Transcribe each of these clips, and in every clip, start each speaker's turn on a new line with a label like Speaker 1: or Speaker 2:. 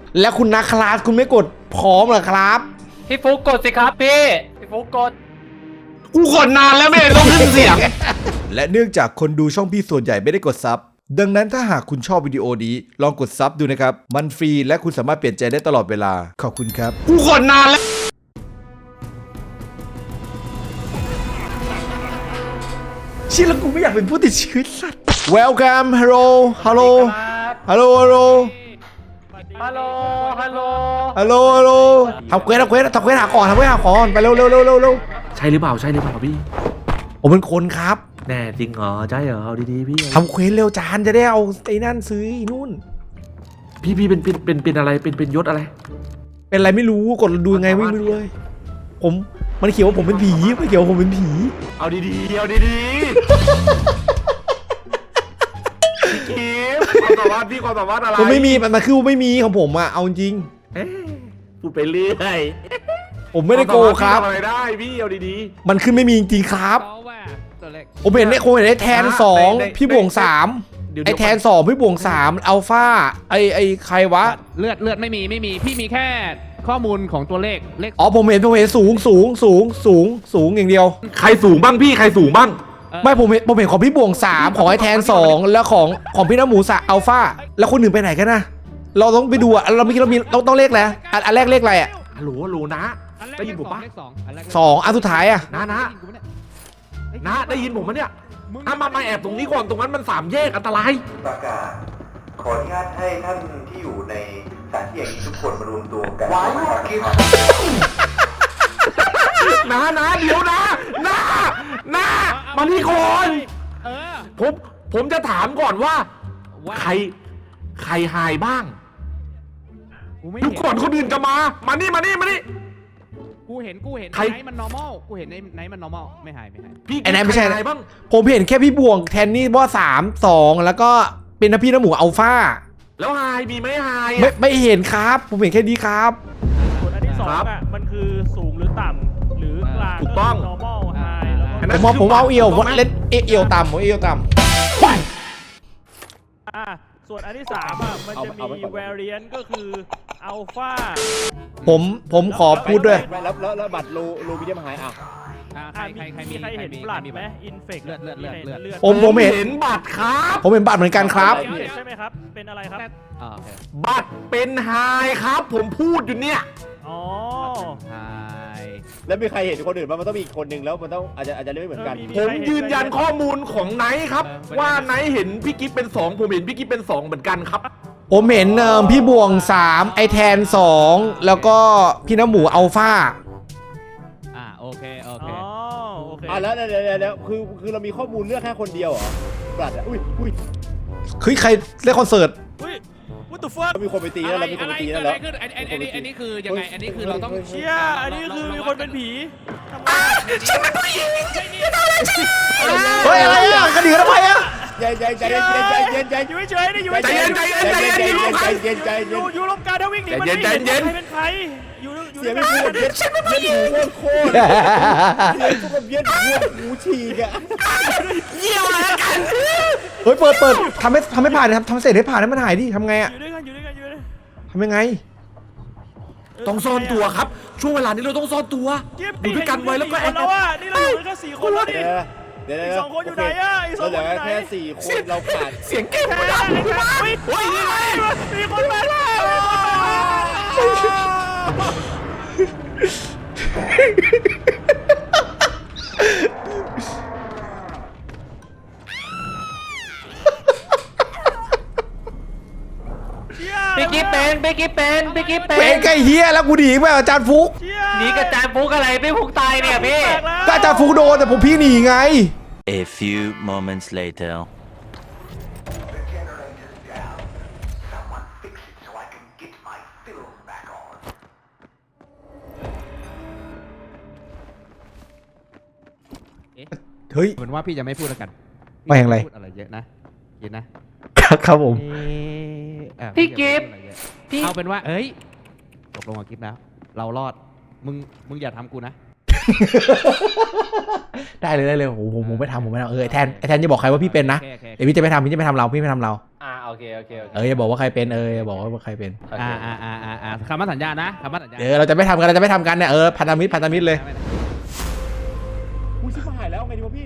Speaker 1: แล้วคุณนักคลาสคุณไม่กดพร้อมเหรอครับ
Speaker 2: พี่ฟุกกดสิครับพี่ฟุกกด
Speaker 1: กูกดนานแล้วไม่ได้ต้องขึ้นเสียง และเนื่องจากคนดูช่องพี่ส่วนใหญ่ไม่ได้กดซับดังนั้นถ้าหากคุณชอบวิดีโอนี้ลองกดซับดูนะครับมันฟรีและคุณสามารถเปลี่ยนใจได้ตลอดเวลาขอบคุณครับกูกดนานแล้วชิแล้วกูไม่อยากเป็นผู้ติดเชื้อสัตว์ Welcome Hello Hello Hello Hello
Speaker 2: ฮัลโหลฮัลโหล
Speaker 1: Hello Hello ทำเควสหาของไปเร็ว
Speaker 3: ใช่หรือเปล่าพี่
Speaker 1: ผมเป็นคนครับ
Speaker 3: แน่จริงเหรอใช่เหรอเอาดีๆพี่
Speaker 1: ทำเควสเร็วจานจะได้เอาไอ้นั่นซื้อไอ้นู่น
Speaker 3: พี่เป็นอะไรเป็นยศอะไร
Speaker 1: เป็นอะไรไม่รู้กดดูยังไงไม่รู้เลยมันเขียนว่าผมเป็นผีไม่เขียนว่าผมเป็นผี
Speaker 3: เอาดีๆพี่กิฟความสามารถอะไร
Speaker 1: ผมไม่มีมันคือไม่มีของผมอะเอาจริง
Speaker 3: พูดไปเรื่อย
Speaker 1: ผมไม่ได้โกงครับ
Speaker 3: ทำอะไรได้พี่เอาดี
Speaker 1: มันขึ้นไม่มีจริงครับ
Speaker 2: ตัวเล็ก
Speaker 1: ผมเห็นได้แทน2พี่บวง3ไอแทน2พี่บวง3อัลฟาไอใครวะ
Speaker 2: เลือดไม่มีพี่มีแค่ข้อมูลของตัวเลข
Speaker 1: อ๋อผมเห็นสูงอย่างเดียว
Speaker 3: ๆใครสูงบ้างพี่ใครสูงบ้าง
Speaker 1: ไม่ผมเห็นของพี่บวง3ของไอแทน2แล้วของพี่น้ำหมูอัลฟาแล้วคนอื่นไปไหนกันนะเราต้องไปดูอะเราต้องเลขแล้วอันแรกเลขอะไรอะ
Speaker 3: ฮัลโหลนะได้ยินผมปะ
Speaker 1: 2อันสุดท้ายอะ
Speaker 3: นะได้ยินผมมั้ยเนี่ยมาแอบตรงนี้ก่อนตรงนั้นมัน3 แยกอันตราย
Speaker 4: ประกาศขออนุญาตให้ท่านที่อยู่ในสถานที่อย่างนี้ทุกคนมารวมตัวกันว้าวกิน
Speaker 3: นะเดี๋ยวนะมานี่ก่อนผมจะถามก่อนว่าใครหายบ้างทุกคนคนอื่นจะมานี่
Speaker 2: กูเห็นไหนมัน normal กูเห็นไหนมัน normal ไม่หาย
Speaker 3: พี่
Speaker 1: ไอ้ไหนไม่ใช่
Speaker 3: ใครหายบ้าง
Speaker 1: ผมเห็นแค่พี่บวงแทนนี่ว่า3 2แล้วก็เป็นพี่น้ำหมูอัลฟา
Speaker 3: แล้วหายมีไหมหาย
Speaker 1: ไม่เห็นครับผมเห็นแค่นี้ครับ
Speaker 5: ส่วนอันที่2อ่ะมันคือสูงหรือต่ำหรือกลาง
Speaker 3: ถูกต้อง
Speaker 5: normal high แล้วก็
Speaker 1: ผมเอาเอียวเล่นเอียวต่ำ
Speaker 5: ส่วนอันที่3อ่ะมันจะมี variant ก็คือ alpha
Speaker 1: ผมขอพูดด้วย
Speaker 6: แล้วบัตรรูวิดีโอหายอ่ะ
Speaker 2: ใครมี
Speaker 5: ใครเห็นบลัดไหม infect
Speaker 2: เลือด
Speaker 1: ผมเห็น
Speaker 3: เห็นบัตรครับ
Speaker 1: ผมเห็นบัตรเหมือนกันครับ
Speaker 5: ใช่ไหมครับเป็นอะไรครับ
Speaker 3: บัตรเป็นหายครับผมพูดอยู่เนี่ย
Speaker 5: อ๋อ
Speaker 6: แล้วมีใครเห็นคนอื่นบ้างมันต้องมีคนหนึ่งแล้วมันต้องอาจจะเล่นไม่เหมือนกัน
Speaker 3: ผมยืนยันข้อมูลของไนท์ครับว่าไนท์เห็นพี่กิ๊ฟเป็น2ผมเห็นพี่กิ๊ฟเป็น2เหมือนกันครับ
Speaker 1: ผมเห็นพี่บวง3ไอแทน2แล้วก็พี่น้ำหมูอัลฟา
Speaker 2: โอเค
Speaker 5: อ๋อโอเค
Speaker 6: แล้วคือเรามีข้อมูลเลือกแค่คนเดียวเหรอบัตรอ่ะอุ้ย
Speaker 1: เฮ้ยใครเล่นคอนเสิร์ต
Speaker 5: อุ้ย what the fuck
Speaker 6: เรามีคนไปตีแล้วเรามีคนไปตีแล้ว
Speaker 2: อันนี้คือยังไงอันนี้คือเราต้อง
Speaker 5: เชี่ยอันนี้คือมีคนเป็นผีทำไม
Speaker 1: เฮ้ยอะไรอ่ะกระดิ่งทำไมอ่ะ
Speaker 6: ใจเย็น
Speaker 5: อยู่เฉยๆนี่อยู่เฉยๆอยู่ลมการถ้าวิ่งหนีมันไม่เห็นใครเป็นใครอยู่
Speaker 6: เสียงไม่พูดเย็นหูโคตรเสียงพวกเย็นหูฉีกอ่ะ
Speaker 1: เฮ้ยเปิดทำให้ผ่านนะครับทำเสร็จให้ผ่านให้มันหายดิทำไงอ่ะ
Speaker 5: อยู่ด้วยกัน
Speaker 1: ทำยังไง
Speaker 3: ต้องซ่อนตัวครับช่วงเวลานี้เราต้องซ่อนตัวอยู่ด้วยกันไว้แล้วก็แอบ
Speaker 5: แล้วว่านี่เราอยู่แค่4 คนแล้วดิ
Speaker 6: เดี๋ยว
Speaker 5: อีก2 คนอยู่ไหนอ่ะอีก2 คนอยู่ไหน
Speaker 6: แค่4 คนเราขาด
Speaker 3: เสียงเก็บ
Speaker 5: แพ้เฮ้ยนี่ไงมีคนมาแล้ว
Speaker 2: พี่กิ๊ฟเป็น
Speaker 1: เป็นไก่เฮียแล้วกูหนีไปอาจารย์ฟุก
Speaker 2: หนีกับจานฟุกอะไรพี่ฟุกตายเนี่ยพี่
Speaker 1: ก็อาจารย์ฟุกโดนแต่ผมพี่หนีไง
Speaker 7: A few moments later.
Speaker 4: The generator's down. Someone fix it so I can get my film back on.
Speaker 1: เฮ้ย
Speaker 2: เหมือนว่าพี่จะไม่พูดแล้วกัน
Speaker 1: ไม่อย่างไร
Speaker 2: พูดอะไรเยอะนะครับ
Speaker 1: ผม
Speaker 2: พี่กิฟต์เอาเป็นว่าเอ้ยตกลงกับกิฟต์แล้วเรารอดมึงอย่าทำกูนะ
Speaker 1: ได้เลยโอ้โหผมไม่ทำไอ้แทนจะบอกใครว่าพี่เป็นนะเดี๋ยวพี่จะไม่ทำเราพี่ไม่ทำเรา
Speaker 3: โอเค
Speaker 1: อย่าบอกว่าใครเป็นอย่าบอกว่าใครเป็น
Speaker 2: คำมั่นสัญญานะคำมั่นสัญญา
Speaker 1: เราจะไม่ทำกันเนี่ยพันธมิตรเลย
Speaker 6: กูชิบหายแล้วไงดีวะพี่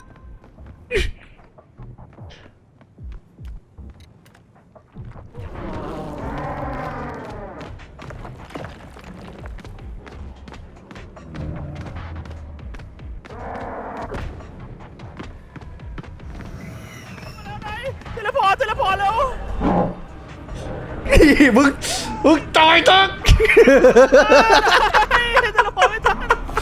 Speaker 5: เทเลพอร์ตแล้ว
Speaker 1: นี่มึงต่อยตัก
Speaker 5: เทเลพอร์ตไม่ทัน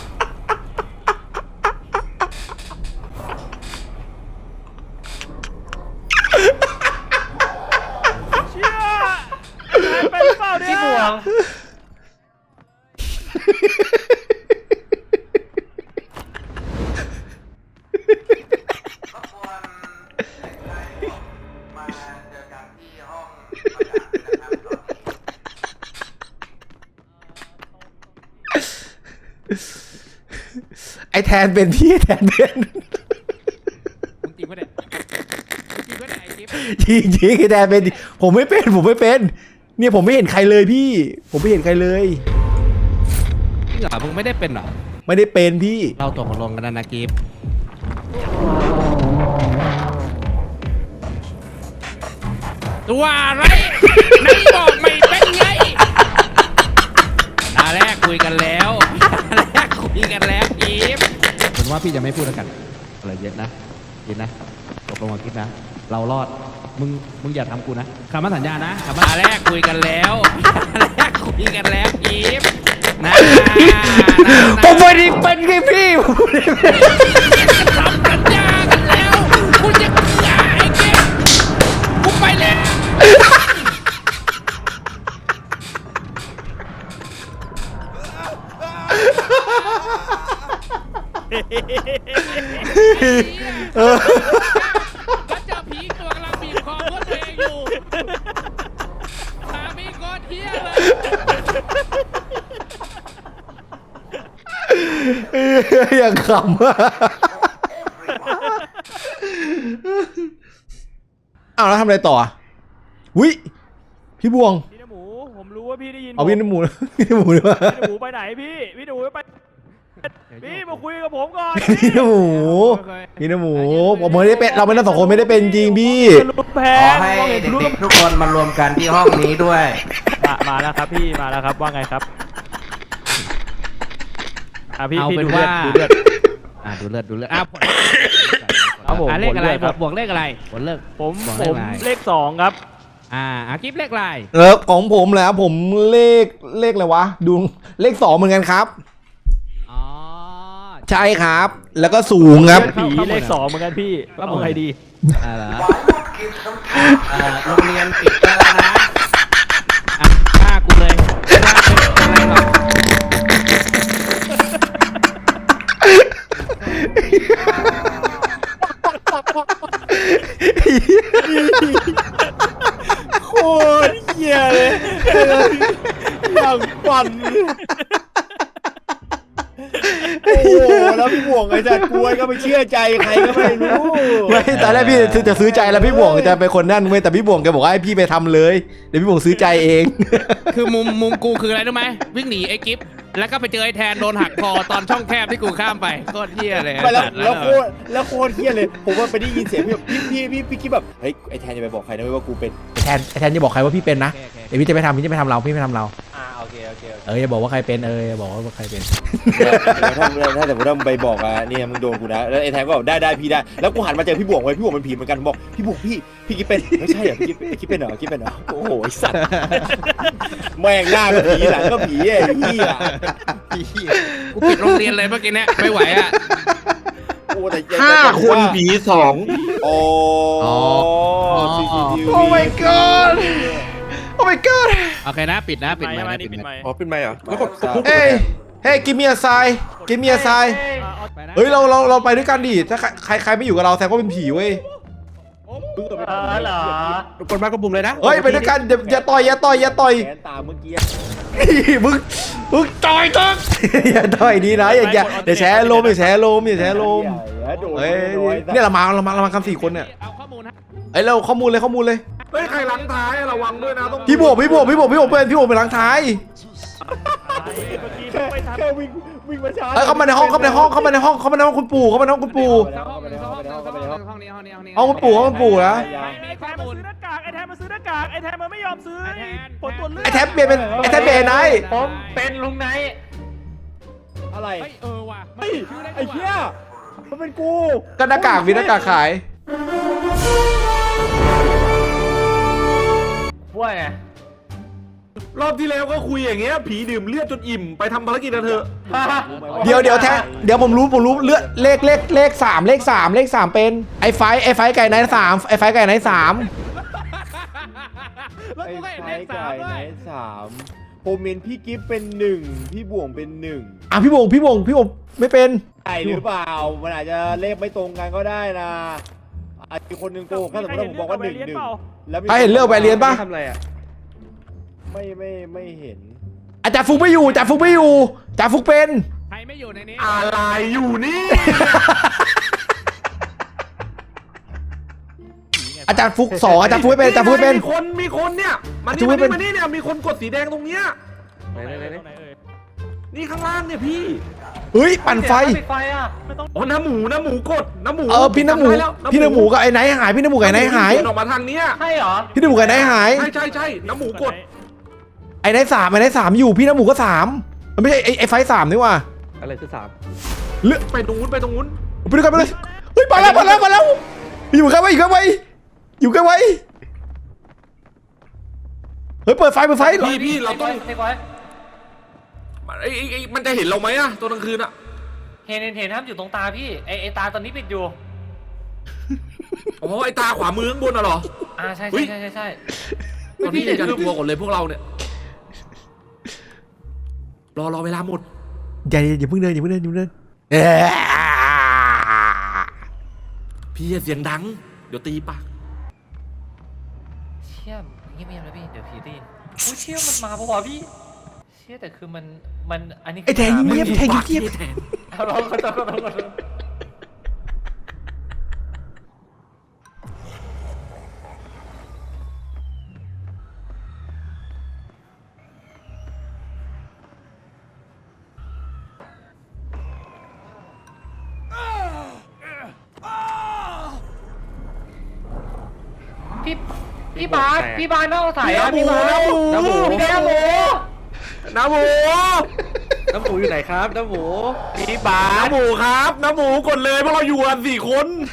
Speaker 5: เชี่ยไปหรือเปล่าเนี่ย
Speaker 4: รบกวนเด็กชายมาเจอกันที่ห้องประจำนะครับตอนนี้
Speaker 1: ไอ้แทนเป็นพี่แทนเป็น
Speaker 2: มึงจริงปะเนี่ยจริงปะเนี่ยไอ้กิ๊บ
Speaker 1: จริงไอ้แทนเป็นผมไม่เป็นเนี่ยผมไม่เห็นใครเลยพี่ผมไม่เห็นใครเลย
Speaker 2: จริงเหรอมึงไม่ได้เป็นเหรอ
Speaker 1: ไม่ได้เป็นพี่
Speaker 2: เราตกลงกันนะกิ๊บตัวอะไรไหนบอกไม่เป็นไงตาแรกคุยกันแล้วกิ๊บผมว่าพี่จะไม่พูดแล้วกันอะไรเย็นนะตกลงกับกิ๊บนะเรารอดมึงอย่าทำกูนะคำมั่นสัญญานะคำมั่นแรกคุยกันแล้วกิ๊บนะ
Speaker 1: ผมไม่ได้เป็นไงพี่
Speaker 2: ทำสัญญากันแล้วกูจะหย่าไอ้กิ๊บกูไปแล้ว ก็เจอผีตัวกำลังบีบคอรถตัวเองอยู่สามีโคตรเฮี้ยเลย
Speaker 1: อย่างขำอะอ้าวแล้วทำอะไรต่ออ่ะวิพี่บวง
Speaker 5: พี่นหมูผมรู้ว่าพี่ได้ยิน
Speaker 1: เอาพี่น้ำหมูพี่น้ำหมูดีกว่า
Speaker 5: พี่นหมูไปไหนพี่หนูไปพี่มาคุยกับผมก่อน
Speaker 1: พี่น้ำหมูผมไม่ได้เป็นเราไม่ได้สองคนไม่ได้เป็นจริงพี่
Speaker 5: ลุกแพ
Speaker 8: ของ ให้เด็กๆทุกคนมารวมกันที่ห้องนี้ด้วย
Speaker 5: มาแล้วครับพี่มาแล้วครับว่าไงครับพี่
Speaker 2: เอา
Speaker 5: พี่
Speaker 2: เป็น
Speaker 5: ดูเลือ
Speaker 2: ว่า
Speaker 5: ดดูเลือด
Speaker 2: ดูเลือด
Speaker 5: ครับผม
Speaker 2: เลขอะไร
Speaker 5: ผลเลือดครับ
Speaker 2: บวกเลขอะไรผลเลิก
Speaker 5: ผม
Speaker 2: บอก
Speaker 5: ผม
Speaker 2: อะไร
Speaker 5: เลข2ครับ
Speaker 2: กิ๊บเลขอะไร
Speaker 1: ของผมแหละผมเลขอะไรวะดูเลข2เหมือนกันครับ
Speaker 2: อ๋อ
Speaker 1: ใช่ครับ แล้วก็สูงครับ
Speaker 5: ผีเลข2เหมือนกันพี่เอาไงดี
Speaker 2: เหรอ
Speaker 4: Why not give some time?
Speaker 8: โรงเรียนปิดแล้วนะ
Speaker 2: ฆ่ากูเลยฆ่าเป็นอะไรก่อน
Speaker 6: โคตรเหี้ยเลยอย่างปั่นโอ้โหแล้วพี่บ่วงไอ้จัดกล้วยก็ไม่เชื่อใจใครก็ไม่รู้
Speaker 1: ไม่ตอนแรกพี่จะซื้อใจแล้วพี่บวงจะเป็นคนนั่นเว้ยแต่พี่บวงแกบอกว่าให้พี่ไปทำเลยเดี๋ยวพี่บวงซื้อใจเอง
Speaker 2: คือมุมกูคืออะไรรู้ไหมวิ่งหนีไอ้กิ๊บแล้วก็ไปเจอไอ้แทนโดนหักคอตอนช่องแคบที่กูข้ามไปโคตรเหี้ยเลย
Speaker 6: ไม่แล้วโคตรเหี้ยเลยผมว่าไปได้ยินเสียงพี่คิดแบบเฮ้ยไอ้แทนจะไปบอกใครนะว่ากูเป็น
Speaker 1: ไอ้แทนจะบอกใครว่าพี่เป็นนะเดี๋ยวพี่จะไม่ทำเราพี่ไม่ทำเรา
Speaker 6: โอเค
Speaker 1: อย่าบอกว่าใครเป็นอย่าบอกว่าใครเป็น
Speaker 6: ถ้าแต่ผมไปบอกเนี่ยมึงโดนกูนะแล้วไอ้แทนก็บอกได้พี่ได้แล้วกูหันมาเจอพี่บ่วงไว้พี่บ่วงเป็นผีเหมือนกันบอกพี่บ่วงพี่คิดเป็นไม่ใช่เหรอพี่คิดเป็นเหรอโอ้โหไอ้สัตว์แม่งหน้าก็ผีหลังก็ผีไอ้เหี้ย
Speaker 2: กูปิดโรงเรียนเลยเมื่อกี้เนี่ยไม่ไหวอ่ะ
Speaker 6: โอ้แต่
Speaker 3: 5 คนผี 2
Speaker 6: โอ้
Speaker 1: Oh my god Oh my god
Speaker 2: โอเคนะปิดนะปิด
Speaker 5: ไม่
Speaker 2: ไม
Speaker 5: ไม่
Speaker 2: ค์นะ
Speaker 5: นี่
Speaker 2: ปิด
Speaker 5: ปิด
Speaker 2: ไม
Speaker 5: ไม
Speaker 2: ค์
Speaker 5: ค์
Speaker 3: อ๋อเป็นไมค์เหรอแล้วกด
Speaker 1: เฮ้ยgive me a sign give me a sign เฮ้ยเราไปด้วยกันดิถ้าใครไม่อยู่กับเราแสดงว่าเป็นผีเว้ย
Speaker 5: เหรอ
Speaker 3: กดมากดปุ่มเลยนะ
Speaker 1: เฮ้ยไปด้วยกันอย่าต่อย
Speaker 6: แขนตาเมื่อกี้
Speaker 1: มึงต่อยตึกอย่าต่อยดีนะอย่าแชร์ลมอย่าแชร์ลมอย่าแชร์ลมเฮ้ยเนี่ยเรามากัน4 คนเนี่ย
Speaker 2: เอาข้อมูลนะ
Speaker 1: เอ้ยเราข้อมูลเลย
Speaker 3: เฮ้ยใครหลังท้ายระวังด้วยนะต้อง
Speaker 1: พี่บวกเป็นหลังท้าย
Speaker 5: เมื่อกี้เพิ่งไปทำ
Speaker 6: แค่วิ่งมาช้า
Speaker 1: เอ้ยเข้ามาในห้องคุณปู่
Speaker 2: ห้องนี้
Speaker 1: เอาคุณปู่นะ
Speaker 5: ไอ้แทนมาซื้อหน้ากากไอ้แทนมาซื้อหน้ากากไอ้แทนมันไม่ยอมซื้อผลตรวจเลือด
Speaker 1: ไอ้แท็บเปลี่ยนเป็นไอ้แท็บเปลี่ยนไหน
Speaker 8: ผมเป็นลุงไนท์
Speaker 6: อะไร
Speaker 2: เฮ้ยว่ะ
Speaker 6: เฮ้ยไอ้เหี้ยมันเป็นกู
Speaker 1: ก็หน้ากากมีหน้ากากขาย
Speaker 8: ว่าไง
Speaker 3: รอบที่แล้วก็คุยอย่างเงี้ยผีดื่มเลือดจนอิ่มไปทำภารกิจนะเธอ
Speaker 1: เดี๋ยวแท็บเดี๋ยวผมรู้เลือดเลข3เป็นไอ้ไฟไก่ไหน3ไอ้ไฟไก่ไหน3
Speaker 2: แล้ว
Speaker 6: ไอ้
Speaker 2: กูก็เห็น
Speaker 6: ไฟ
Speaker 2: เลขสา
Speaker 6: ไก่
Speaker 2: มด้
Speaker 6: ไห
Speaker 2: วน ย
Speaker 6: 3ผมเห็นพี่กิฟเป็น1พี่บ่วงเป็น1
Speaker 1: อ่ะพี่บงไม่เป็น
Speaker 6: ใช่หรือเปล่ามันอาจจะเลขไม่ตรงกันก็ได้นะอาจจะคนหนึ่งโกหกถ้าสมมติว่าผมบอกว่า1 แล้ว
Speaker 1: ใครเห็นเรื่องไปเรียนปะ
Speaker 8: ทำอะไรอ่ะ
Speaker 6: ไม่เห็น
Speaker 1: อาจารย์ฟุกไม่อยู่จ่าฟุกเป็น
Speaker 2: ใครไม่อยู่ในนี้
Speaker 3: อะไรอยู่นี่
Speaker 1: อาจารย์ฟุก2อาจารย์ฟุกไม่เป็นอาจารย์ฟุกไม่เป็น
Speaker 3: มีคนเนี่ยมา
Speaker 1: จะไม่เป็น
Speaker 3: นี่เนี่ยมีคนกดสีแดงตรงเนี้ย
Speaker 5: ตรงไหนเอ่ย
Speaker 3: นี่ข้างล่างเนี่ยพี่
Speaker 1: เฮ้ยปั่นไฟ
Speaker 8: ปิดไฟอ่ะ
Speaker 5: ไม่ต้อง
Speaker 3: อ๋อน้ำหมูกดน้ำหมู
Speaker 1: พี่น้ำหมู
Speaker 3: จำได้แล้ว
Speaker 1: พี่น้ำหมูกับไอ้ไหนหายพี่น้ำหมูกับไอ้ไหนหาย
Speaker 3: เดินออกมาทางเนี้ย
Speaker 8: ใช่เหรอ
Speaker 1: พี่น้ำหมูกับไอ้ไหนหาย
Speaker 3: ใช่น้ำหมูกด
Speaker 1: ไอ้ไหน3อยู่พี่น้ำหมูก็3มันไม่ใช่ไอ้ไฟ3นี่ว่ะ
Speaker 8: อะไรคือ
Speaker 3: ไปตรงนู้น
Speaker 1: ไปด้วยกันไปเลยเฮ้ยมาแล้วอยู่ใกล้ไว้เฮ้ยเปิดไฟ
Speaker 3: พี่เราต้อง
Speaker 8: เทคไว้
Speaker 3: มันจะเห็นเราไหมอะตอนกลางคืนอะ
Speaker 8: เห็นครับอยู่ตรงตาพี่ไอตาตอนนี้ปิดอยู่
Speaker 3: อ๋อไอตาขวามือข้างบนอะเหรอ
Speaker 8: ใช่
Speaker 3: เฮ้ย
Speaker 8: ใช่
Speaker 3: ตอนนี้จะกลัวก่อนเลยพวกเราเนี่ยรอเวลาหมด
Speaker 1: อย่าเพิ่งเดิน
Speaker 3: พี่อย่าเสียงดังเดี๋ยวตีปาก
Speaker 8: เชี่ยเงียบๆนะพี่เดี๋ยวผีได้ยินอุ้ยเชี่ยมันมาปะวะพี่เชี่ยแต่คือมันอันนี้
Speaker 1: ไอ้แทงเงียบ
Speaker 8: เอาเราขอโทษ พี่บาสนอกสายอ่ะพี่บาสน้ำหมู
Speaker 3: น้ำหมู
Speaker 8: น้ำหมูอยู่ไหนครับน้ำหมู
Speaker 3: พี่บาน้ำหมูครับน้ำหมูกดเลยเพราะเราอยู่กัน4 คน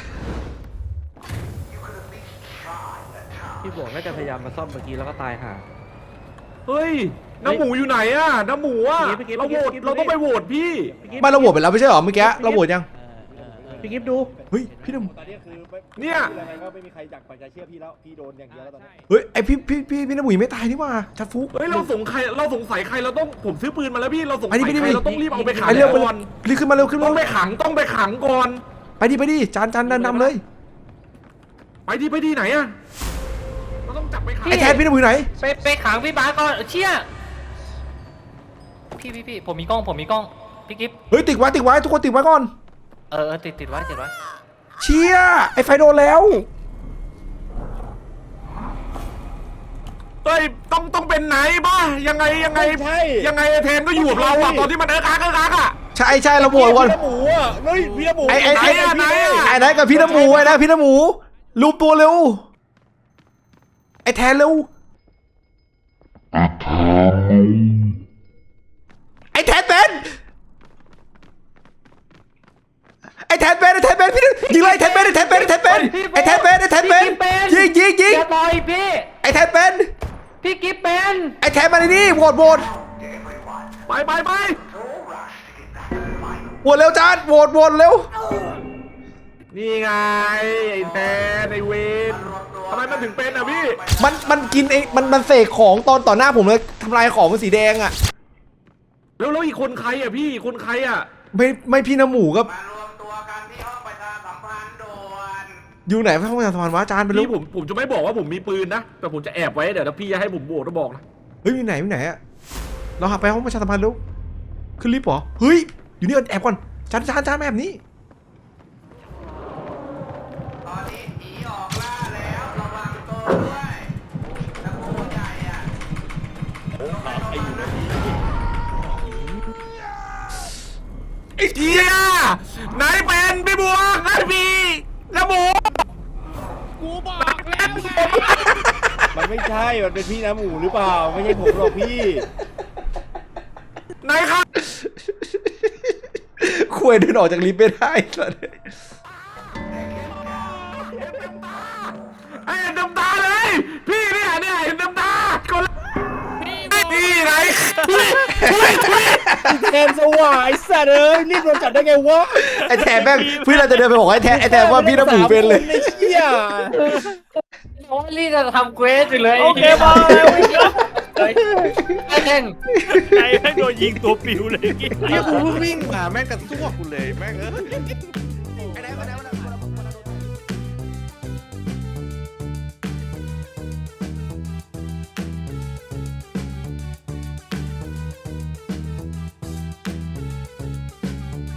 Speaker 8: พี่บวกน่าจะพยายามมาซ่อมเมื่อกี้แล้วก็ตายห่า
Speaker 3: เฮ้ยน้ำหมูอยู่ไหนอะน้ำหมูอะ
Speaker 8: พี่กิ๊บ
Speaker 3: เราต้องไปโหวตพี่
Speaker 1: ไม่เราโหวตไปแล้วไม่ใช่หรอเมื่อกี้เราโหวตยัง
Speaker 8: พี่กิฟดู
Speaker 1: เฮ้ยพี่น้ำ
Speaker 6: ตอนนี้คือ
Speaker 3: เนี่ย
Speaker 6: อะไรก็ไม่มีใครอยากปักใจเชื่อพี่แล้วพี่โดนอย่างเดียวแล้วตอนนี้
Speaker 1: เฮ้ยไอพี่น้ำหมูยังไม่ตายนี่ว่าจัดฟุก
Speaker 3: เฮ้ยเราสงสัยใครเราต้องผมซื้อปืนมาแล้วพี่เราสงสัย
Speaker 1: ไปดิ
Speaker 3: ใครเราต้องรีบเอาไปขัง
Speaker 1: ไปเร็ว
Speaker 3: ก่อน
Speaker 1: รีบขึ้นมาเร็วขึ้น
Speaker 3: ต้
Speaker 1: มา
Speaker 3: องไปขังก่อน
Speaker 1: ไปดิจานนำเลย
Speaker 3: ไปดิไหนอะเราต้องจับไปขัง
Speaker 1: ไอ้แทนพี่น้ำหมูอยู่ไหน
Speaker 8: ไปขังพี่บาสก่อนเชี่ยพี่ผมมีกล้องพี่กิฟ
Speaker 1: เฮ้ยติดไว้ทุกคนติดไว้ก่อน
Speaker 8: ติดไว้
Speaker 1: เชี่ยไอ้ไฟโดนแล้ว
Speaker 3: เฮ้ยต้องเป็นไหนบ้ายังไง
Speaker 6: ใช่
Speaker 3: ยังไงไอ้แทนก็อยู่กับเราอะตอนที่มันเอิ๊กอักอะ
Speaker 1: ใช่เราโหวตก่อน
Speaker 6: พี่น้ำหมูอ่ะเฮ้ยพี่น้ำหมู
Speaker 1: ไอ้
Speaker 3: ไหนอะ
Speaker 1: ไอ้ไหนกับพี่น้ำหมูพี่น้ำหมูรูปตัวเร็วไอ้แทนเร็วไอ้แทนเป็นพี่ยิงเลยแทนเป็นยิง
Speaker 8: อย่าต่อยพี่
Speaker 1: ไอ้แทนเป็น
Speaker 8: พี่กิฟเป็น
Speaker 1: ไอ้แทนมาในนี่โหวต
Speaker 3: ไป
Speaker 1: โหวตเร็วจานโหวตเร็ว
Speaker 3: นี่ไงไอ้แทนไอ้เวนทำไมมันถึงเป็นอะพี่
Speaker 1: มันกินไอ้มันเสกของต่อหน้าผมเลยทำลายของมันสีแดงอ่ะ
Speaker 3: แล้วอีกคนใครอะพี่คนใครอะ
Speaker 1: ไม่พี่น้ำหมูกับ
Speaker 4: มารวมตัวกันที่ห้องประชาสัมพันธ์ด่วน
Speaker 1: อยู่ไหนพระพุทธสวรรค์วะจานไปรู้
Speaker 3: พี่ผมจะไม่บอกว่าผมมีปืนนะแต่ผมจะแอบไว้เดี๋ยวถ้าพี่จะให้ผมโบกก็บอกนะ
Speaker 1: เฮ้ยอยู่ไหนอ่ะเราหาไปห้องประชาสัมพันธ์แล้วขึ้นลิฟต์เหรอเฮ้ยอยู่นี่ก่อนแอบก่อนจานแบบนี้
Speaker 4: ตอนนี้ผีออกล่าแล้วระวังตัวด้วยตะโกนใหญ่อะ
Speaker 3: ไอ้เหี้ยไหนเป็นพี่บวกไอ้พี่แล้วหมู
Speaker 6: มันไม่ใช่มันเป็นพี่น้ำหมูหรือเปล่าไม่ใช่ผมหรอกพี่
Speaker 3: ไหนครับ
Speaker 1: คุยเดินออกจากลิฟต์ไม่ได้สัส
Speaker 3: ไอ้เห็นน้ำตาเลยพี่เนี่ยเห็นน้ำตาคนพี่ไหน
Speaker 6: แทนสว่างไอ้สัตว์เอ้ยรีบโดนจับได้ไงวะ
Speaker 1: ไอ้แทนแม่งเพื่อนเราจะเดินไปบอกไอ้แทนว่าพี่น้ำหมูเป็นเลย
Speaker 6: ไอ้เหี้ย
Speaker 8: โอ้ยรีบจะทำเควสอยู่เลย
Speaker 5: โอเคบอย
Speaker 8: ไอ้เท่ง
Speaker 5: ใจแม่งโดนยิงตัวปิวเลย
Speaker 2: เนี่ยกูเพิ่งวิ่งมาแม่งกระซวกกูเลยแม่งเออ
Speaker 1: ไอ้แทน